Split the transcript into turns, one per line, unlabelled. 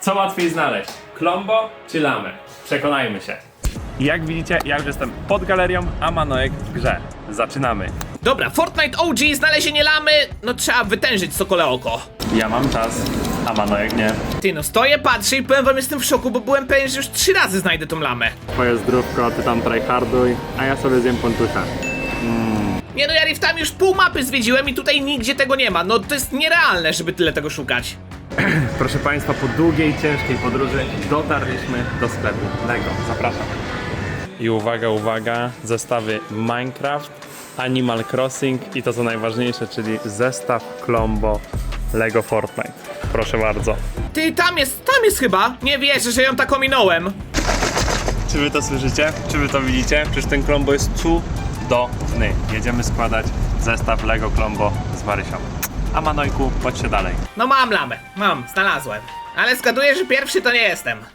Co łatwiej znaleźć? Klombo czy lamę? Przekonajmy się. Jak widzicie, ja już jestem pod galerią, a Manojek w grze. Zaczynamy.
Dobra, Fortnite OG, znalezienie lamy, no trzeba wytężyć sokole oko.
Ja mam czas, a Manojek nie.
Ty no, stoję, patrzę i powiem wam, jestem w szoku, bo byłem pewien, że już 3 razy znajdę tą lamę.
Twoje zdrówko, ty tam tryharduj, a ja sobie zjem pontucha.
Nie no, ja riftami już pół mapy zwiedziłem i tutaj nigdzie tego nie ma. No to jest nierealne, żeby tyle tego szukać.
Proszę Państwa, po długiej, ciężkiej podróży dotarliśmy do sklepu Lego. Zapraszam. I uwaga, uwaga, zestawy Minecraft, Animal Crossing i to co najważniejsze, czyli zestaw Klombo Lego Fortnite. Proszę bardzo.
Ty, tam jest chyba. Nie wierzę, że ją tak ominąłem.
Czy wy to słyszycie? Czy wy to widzicie? Przecież ten Klombo jest cudowny. Jedziemy składać zestaw Lego Klombo z Marysią. A Manojku, chodźcie dalej.
No mam lamę, znalazłem. Ale zgaduję, że pierwszy to nie jestem.